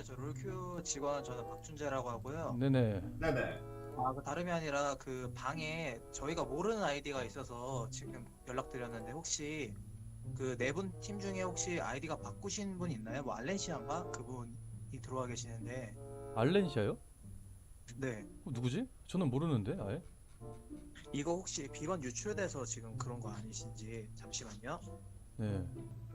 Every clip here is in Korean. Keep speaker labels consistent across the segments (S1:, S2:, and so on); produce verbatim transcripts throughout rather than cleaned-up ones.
S1: 안녕하세요. 저 롤큐 직원 저는 박준재라고 하고요.
S2: 네네.
S3: 네네.
S1: 아, 그 다름이 아니라 그 방에 저희가 모르는 아이디가 있어서 지금 연락드렸는데 혹시 그 네 분 팀 중에 혹시 아이디가 바꾸신 분 있나요? 뭐 알렌시안가 그분이 들어와 계시는데.
S2: 알렌시아요?
S1: 네.
S2: 어, 누구지? 저는 모르는데 아예.
S1: 이거 혹시 비번 유출돼서 지금 그런 거 아니신지 잠시만요.
S2: 네.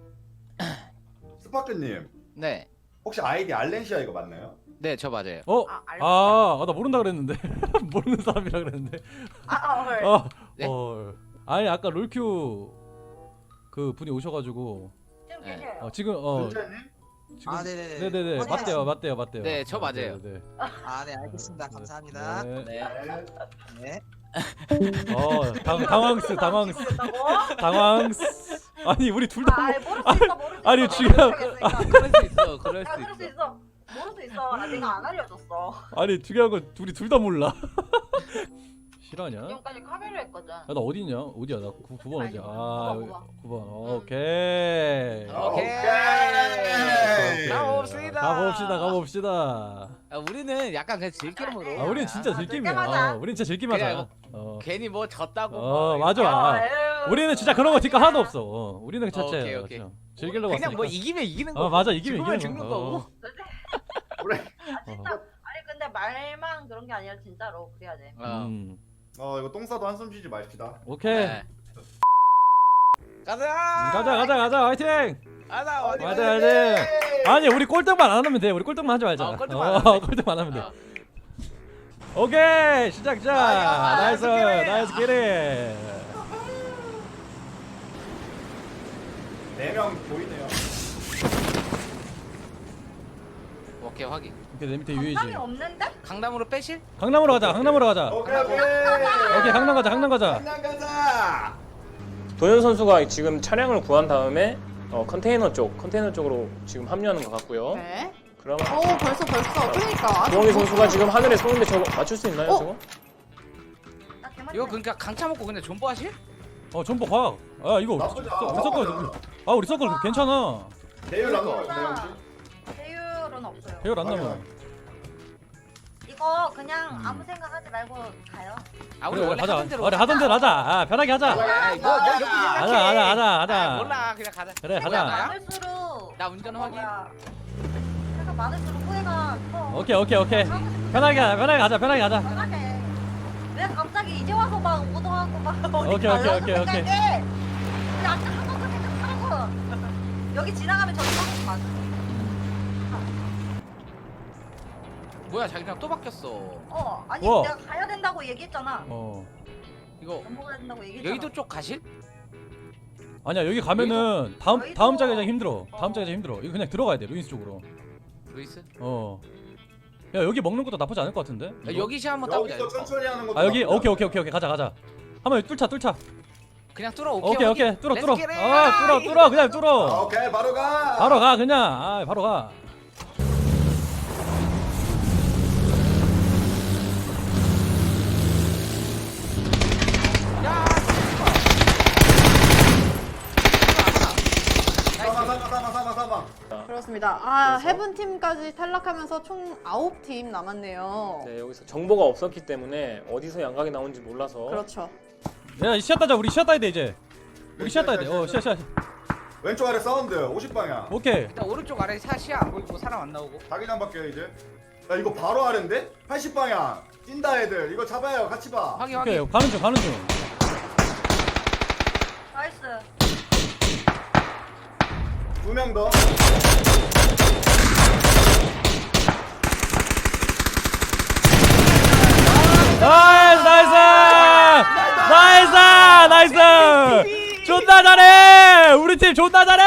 S3: 스파크님
S4: 네,
S3: 혹시 아이디 알렌시아 이거 맞나요?
S4: 네, 저 맞아요.
S2: 어?
S5: 아, 알고
S2: 아, 아, 나 모른다 그랬는데. 모르는 사람이라 그랬는데.
S5: 아, 아, 헐.
S2: 어.
S4: 네?
S2: 어. 아니 아까 롤큐 그 분이 오셔가지고
S5: 지금
S4: 네.
S5: 계세요.
S2: 어, 지금 어
S3: 준재님?
S2: 지금
S1: 아, 네네네.
S2: 네네네
S1: 확인했습니다.
S2: 맞대요 맞대요 맞대요.
S4: 네, 저
S2: 어,
S4: 맞아요.
S2: 네네.
S1: 아, 네, 알겠습니다. 감사합니다.
S2: 네.
S4: 네.
S1: 네.
S2: 어 당, 당황스 당황스
S5: 찍어줬다고?
S2: 당황스. 아니 우리 둘 다.
S5: 아, 모를 수 있어, 모를 수 있어.
S2: 아니,
S5: 모르겠어,
S2: 지금-
S5: 모르겠으니까.
S4: 그럴 수 있어, 그럴
S5: 야,
S4: 수
S5: 그럴 수
S4: 있어.
S5: 있어. 모를 수 있어. 아, 내가 안 알려줬어.
S2: 아니 중요한 건 둘이 둘 다 몰라. 실화냐?
S5: 지금까지 카메라 했거든.
S2: 아, 나 어디 있냐? 어디야? 나 구 번 어디야? 아,
S5: 구 번,
S2: 구 번. 오케이.
S4: 오케이.
S3: 오케이.
S4: 가봅시다.
S2: 가봅시다. 가봅시다.
S4: 아, 우리는 약간 그냥 즐기름으로.
S2: 아, 우리는 진짜
S5: 아,
S2: 즐김이야.
S5: 즐겨하자.
S2: 어, 우리는 진짜 즐김하자.
S4: 그냥
S2: 어.
S4: 괜히 뭐 졌다고.
S2: 어,
S4: 뭐
S2: 맞아.
S4: 이렇게.
S2: 아,
S5: 아유,
S2: 우리는 진짜 그런 거 뒷가 하나도 없어. 어, 우리는
S4: 오케이,
S2: 자체
S4: 오케이.
S2: 즐기려고
S4: 그냥 뭐
S2: 왔으니까.
S4: 이기면 이기는 거.
S2: 어, 맞아. 이기면
S4: 죽으면
S2: 이기는
S4: 죽는
S2: 거.
S4: 거고.
S2: 어.
S3: 그래.
S5: 아, 진짜. 아니, 근데 말만 그런 게 아니라 진짜로 그래야 돼.
S4: 어.
S2: 음.
S3: 어 이거 똥 싸도 한숨 쉬지 맙시다.
S2: 오케이.
S4: 네. 가자.
S2: 가자, 가자, 가자. 화이팅!
S4: 가자. 어디
S2: 맞아,
S4: 가야
S2: 맞아.
S4: 돼?
S2: 아니, 우리 꼴등만 안 하면 돼. 우리 꼴등만 하지 말자.
S4: 어, 꼴등만 안
S2: 어,
S4: 하면 돼.
S2: 꼴등만 하면 돼.
S4: 어.
S2: 오케이 시작 시작.
S4: 아,
S2: 나이스
S4: 나이스
S2: 나이스 기리.
S3: 네 명 보이네요.
S4: 오케이, 확인.
S2: 오케이 내 밑에 유해지.
S5: 감이 없는데?
S4: 강남으로 빼실?
S2: 강남으로 가자. 강남으로 가자.
S3: 오케이 오케이.
S2: 오케이 강남 가자. 강남 가자.
S3: 강남 가자.
S6: 도현 선수가 지금 차량을 구한 다음에 어, 컨테이너 쪽, 컨테이너 쪽으로 지금 합류하는 것 같고요.
S7: 네.
S6: 그러면
S7: 오 벌써 벌써 그러니까 아직
S6: 조홍희
S7: 못
S6: 선수가 지금 하늘에 쏘는데 저거 맞출 수 있나요,
S7: 어?
S6: 저거?
S5: 나 개만
S4: 이거 그러니까 강차 먹고 그냥 존버 하실?
S2: 어 전보 가. 아 이거
S3: 나쁘지 않아.
S2: 우리 서클 아 우리 서클 괜찮아.
S3: 대율 안 나와요, 대율
S5: 없어.
S3: 혹시?
S5: 배율은 없어요.
S2: 배열 안
S3: 아니,
S2: 나면.
S3: 아니.
S5: 이거 그냥
S2: 음.
S5: 아무 생각하지 말고 가요.
S4: 아, 우리
S2: 그래
S4: 원래
S2: 하자.
S4: 하던 대로.
S2: 우리 하던 대로 하자. 아 편하게 하자.
S4: 아, 이거 뭐 이렇게
S2: 하자
S4: 생각해.
S2: 하자 하자
S4: 아,
S2: 하자.
S4: 몰라, 그냥 가자.
S2: 그래
S4: 뭐야,
S2: 하자.
S4: 나야?
S5: 많을수록
S4: 나 운전
S5: 어,
S4: 확인.
S5: 뭐야. 내가 많을수록 후회가 커.
S2: 오케이 오케이 오케이. 편하게 하자. 편하게 가자. 편하게 가자.
S5: 편하게. 왜 갑자기 이제 와서 막 오도하고 막 어디
S2: 오케이,
S5: 가려고
S2: 오케이, 오케이, 오케이.
S5: 생각해? 우리 아까 한 번도 생각하고 여기 지나가면 저기 한번 맞아.
S4: 뭐야, 자기랑 또 바뀌었어.
S5: 어 아니
S2: 우와.
S5: 내가 가야 된다고 얘기했잖아.
S2: 어.
S4: 이거
S5: 전부 가야 된다고 얘기했잖아.
S4: 여의도 쪽 가실?
S2: 아니야 여기 가면은 다음
S5: 여의도-
S2: 다음 자기장 힘들어. 다음
S5: 어.
S2: 자기장 힘들어. 이거 그냥 들어가야 돼. 루이스 쪽으로.
S4: 루이스?
S2: 어. 야 여기 먹는 것도 나쁘지 않을 것 같은데?
S4: 야, 여기 시 한번 따보자.
S3: 여기서
S4: 이거.
S3: 천천히 하는 것도
S2: 아 여기
S3: 나쁘지
S2: 오케이
S3: 않아.
S2: 오케이 오케이 오케이 가자 가자. 한번 뚫자 뚫자.
S4: 그냥 뚫어.
S2: 오케이
S4: 오케이,
S2: 오케이,
S4: 확인.
S2: 뚫어
S4: Let's
S2: 뚫어.
S4: get it.
S2: 아 뚫어 뚫어 그냥
S3: 아,
S2: 뚫어.
S3: 오케이 바로 가.
S2: 바로 가 그냥. 아 바로 가.
S4: 야,
S3: 사망 사망 사망 사망 사망.
S7: 그렇습니다. 아
S6: 그래서?
S7: 해븐 팀까지 탈락하면서 총 아홉 팀 남았네요.
S6: 네, 여기서 정보가 없었기 때문에 어디서 양각이 나온지 몰라서
S7: 그렇죠.
S2: 야 시야 따자. 우리 시야 따야 돼 이제. 우리 시야 따야 돼. 어 시야 시야.
S3: 왼쪽 아래 사운드 오십 방향.
S2: 오케이.
S4: 일단 오른쪽 아래 사시야 안 보이고 사람 안 나오고.
S3: 자기장 밖에 이제. 야 이거 바로 아래인데? 팔십 방향. 찐다 애들. 이거 잡아요. 같이 봐.
S4: 확인,
S2: 오케이
S4: 확인.
S2: 가는 중 가는 중.
S5: 나이스.
S3: 두 명 더.
S2: 나이스 나이스 나이스 나이스. 존나 잘해. 우리 팀 존나 잘해.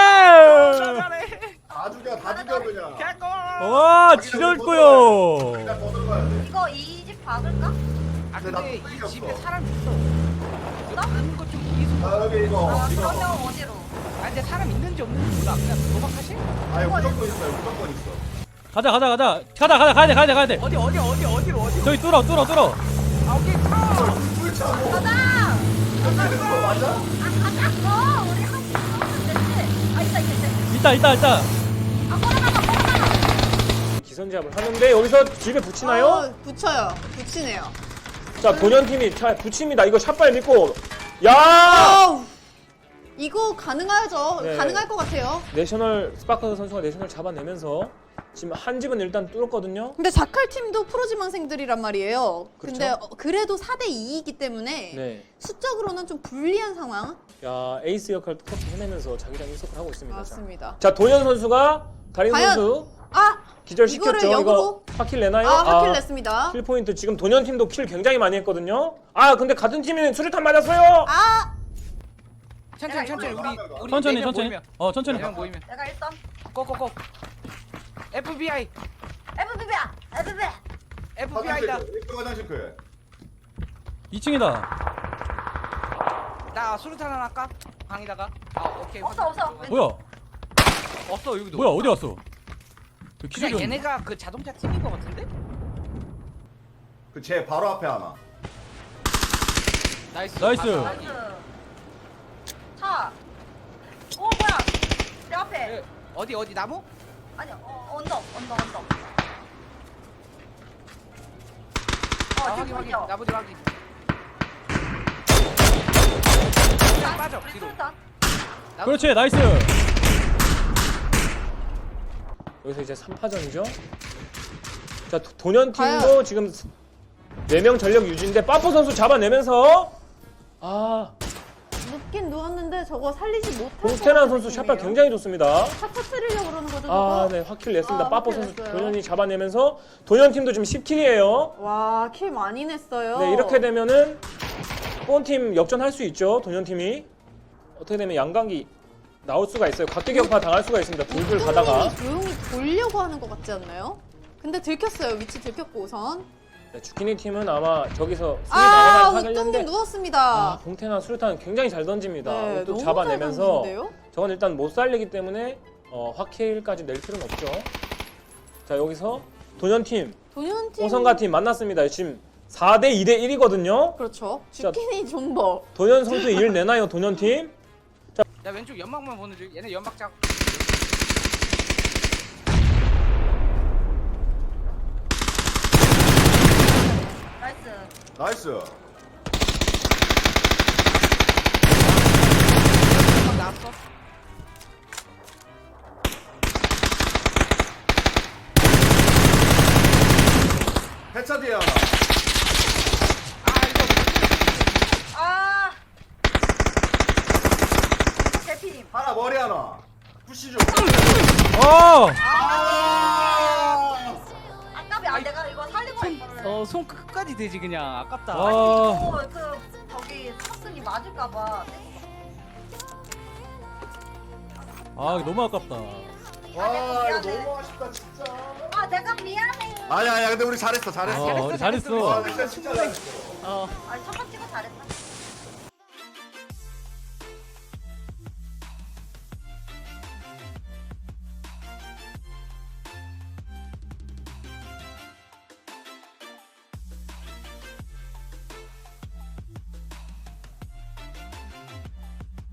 S3: 다 죽여 다 죽여 그냥.
S2: 와 지렸고요.
S3: 그냥 더 들어가야 돼.
S5: 이거 이 집 박을까?
S4: 아,
S3: 근데 나
S4: 근데
S3: 뚝배기
S4: 이
S3: 없어.
S4: 집에 사람 있어. 이거 아는 거좀 이해서.
S3: 아 여기 이거
S5: 아
S3: 이거.
S5: 그러면 어디로?
S4: 아, 근데 사람 있는지 없는지 몰라. 그냥 도박하실?
S3: 아 이거 무조건 있어요. 무조건 있어.
S2: 가자 가자 가자 가자 가자 가야 돼 가야 돼 가야 돼.
S4: 어디, 어디, 어디, 어디로, 어디로?
S2: 저기 뚫어 뚫어 뚫어.
S4: 아, 오케이, 차.
S3: 꿀차 뭐.
S5: 가자.
S3: 이거 맞아?
S5: 아 가자. 어 우리 한팀 넘으면 되지. 아 있다 있다 있다.
S2: 있다 있다 있다.
S5: 아 걸어나가 걸어나가.
S6: 기사 기선제압을 하는데 여기서 집에 붙이나요?
S7: 어, 붙여요. 붙이네요.
S6: 자 본연팀이 자 붙입니다. 이거 샷발 믿고 야
S7: 아우, 이거 가능하죠.
S6: 네.
S7: 가능할 것 같아요.
S6: 내셔널 스파크 선수가 내셔널 잡아내면서 지금 한 집은 일단 뚫었거든요.
S7: 근데 자칼 팀도 프로지망생들이란 말이에요.
S6: 그렇죠.
S7: 근데 어, 그래도 사 대 이이기 때문에
S6: 네.
S7: 수적으로는 좀 불리한 상황.
S6: 야 에이스 역할도 터치 해내면서 자기장 일석을 하고 있습니다.
S7: 맞습니다.
S6: 자, 자 도현 선수가 다린
S7: 과연-
S6: 선수
S7: 아,
S6: 기절시켰죠.
S7: 이거를
S6: 이거
S7: 역으로?
S6: 파킬 내나요?
S7: 아, 확킬 냈습니다.
S6: 킬 포인트 지금 도현 팀도 킬 굉장히 많이 했거든요. 아 근데 같은 팀이 수류탄 맞았어요.
S7: 아,
S4: 천천히 천천히 우리 우리
S2: 천천히
S4: 네명
S2: 천천히.
S4: 모이면
S2: 어 천천히.
S4: 네명 모이면
S5: 내가 일단
S4: 고고고 에프비아이
S5: 에프비비야 에프비.
S4: 에프비아이다.
S3: 화장실 그 화장실 그.
S2: 이 층이다.
S4: 나 수류탄 하나 할까? 방에다가. 아 오케이.
S5: 없어 없어.
S2: 뭐야?
S4: 없어 여기도.
S2: 뭐야 어디 갔어? 저
S4: 그냥
S2: 기절이 없네.
S4: 얘네가 그 자동차 팀인 것 같은데?
S3: 그제 바로 앞에 하나.
S4: 나이스.
S2: 나이스.
S4: 봤어.
S5: 나이스. 차. 오 뭐야? 내 앞에.
S4: 예, 어디 어디 나무?
S5: 아니 어, 언덕 언덕 언덕.
S4: 아,
S5: 어
S4: 확인
S5: 지금
S4: 확인.
S5: 보이죠?
S4: 나무들 확인. 그냥 빠져 뒤로.
S5: 수류탄.
S4: 나무-
S2: 그렇지 나이스.
S6: 여기서 이제 삼 파전이죠. 자 도- 도현 팀도
S7: 과연-
S6: 지금 네 명 전력 유지인데 빠뽀 선수 잡아내면서 아
S7: 눕긴 누웠는데 저거 살리지 못할 것
S6: 홍태란
S7: 같은
S6: 선수 샷발
S7: 느낌이에요.
S6: 굉장히 좋습니다.
S7: 차 터트리려고 그러는 거죠, 저거?
S6: 아, 네, 확킬 냈습니다.
S7: 아,
S6: 빠뽀
S7: 확킬
S6: 선수
S7: 냈어요.
S6: 도현이 잡아내면서 도현 팀도 지금 십 킬이에요.
S7: 와, 킬 많이 냈어요.
S6: 네, 이렇게 되면은 뽀팀 역전할 수 있죠. 도현 팀이 어떻게 되면 양강기 나올 수가 있어요. 각계격파 당할 수가 있습니다. 불불 가다가
S7: 이 조용히 돌려고 하는 것 같지 않나요? 근데 들켰어요. 위치 들켰고 우선.
S6: 네, 주키니 팀은 아마 저기서 수비
S7: 아,
S6: 나가는
S7: 웃동긴
S6: 하겠는데
S7: 누웠습니다.
S6: 아, 봉태나 수류탄 굉장히 잘 던집니다.
S7: 네,
S6: 또
S7: 너무
S6: 잡아내면서
S7: 잘 던지는데요?
S6: 저건 일단 못 살리기 때문에 어, 확킬까지 낼 필요는 없죠. 자 여기서 도현 팀,
S7: 도현 팀.
S6: 오성가 팀 만났습니다. 지금 사 대 이 대 일이거든요.
S7: 그렇죠.
S6: 자,
S7: 주키니 존버.
S6: 도현 선수 일 내나요, 도현 팀?
S4: 나 왼쪽 연막만 보는 중. 얘네 연막 작.
S5: 나이스.
S3: 나이스.
S4: 연막 나왔어.
S3: 해차 뒤에 하나.
S4: 아 이거
S5: 아. 대피님.
S3: 하나 머리 하나. 푸시 좀.
S2: 어.
S3: 아!
S5: 아깝이 아 내가 이거 살리고 할 거를.
S4: 어손 끝까지 되지 그냥 아깝다.
S2: 아.
S5: 이거 그 저기 사슴이 맞을까봐.
S2: 아 이거 너무 아깝다.
S3: 와 이거 너무 아쉽다 진짜.
S5: 아 내가 미안해.
S3: 아니야 아니야 근데 우리 잘했어 잘했어.
S2: 어, 우리 잘했어.
S3: 와 진짜 진짜 잘했어.
S4: 어.
S5: 아니 첫 번째